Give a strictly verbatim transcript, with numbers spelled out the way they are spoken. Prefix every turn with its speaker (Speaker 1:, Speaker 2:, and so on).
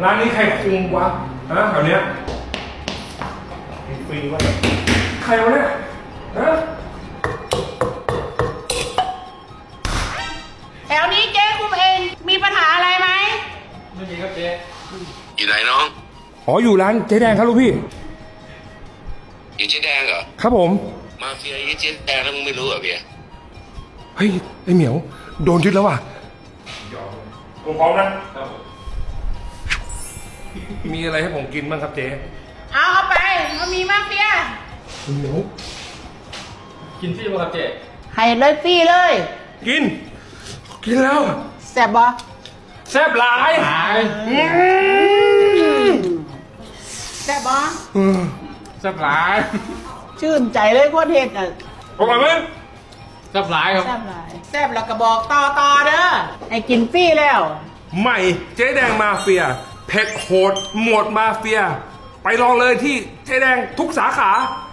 Speaker 1: ร้านนี้ใครคุมวะฮะแถวเนี้ยฟรีวะใครวะเนี่ยฮะ
Speaker 2: แถวนี้เจ๊คุมเองมีปัญหาอะไรไหม
Speaker 3: ไม่มีครับเจ๊
Speaker 4: อยู่ไหนน้อง
Speaker 1: อ๋ออยู่ร้านเจ๊แดงครับลูกพี่
Speaker 4: อยู่เจ๊แดงเหรอ
Speaker 1: ครับผม
Speaker 4: มาเฟียยี่เจ๊แดงแล้วมึงไม่รู้เหรอเบียร์
Speaker 1: เฮ้ยไอเหมียวโดนยึดแล้วว่ะผมพร้อมนะมีอะไรให้ผมกินบ้างครับเจ๊
Speaker 2: เอาเอาไปเอามีมาเฟีย
Speaker 1: เหมียว
Speaker 3: กินฟรีป่ะครับเจ๊
Speaker 2: ให้เลยฟรีเลย
Speaker 1: กินกินแล้ว
Speaker 2: แซ่บบ่
Speaker 1: แซ่บหลาย
Speaker 3: หาย
Speaker 2: แซ่บบ่
Speaker 3: แซ่บหลาย
Speaker 2: ชื่นใจเลยพวกเห็ดอ่ะ
Speaker 1: อร่อยไหม
Speaker 3: แซ่บหลายครับ
Speaker 2: แซ่บหลายแซ่บแล้วก็บอกต่อต่อเด้อให้กินฟรีแล้ว
Speaker 1: ใหม่เจ๊แดงมาเฟียเผ็ดโหดหมวดมาเฟียไปลองเลยที่เจ๊แดงทุกสาขา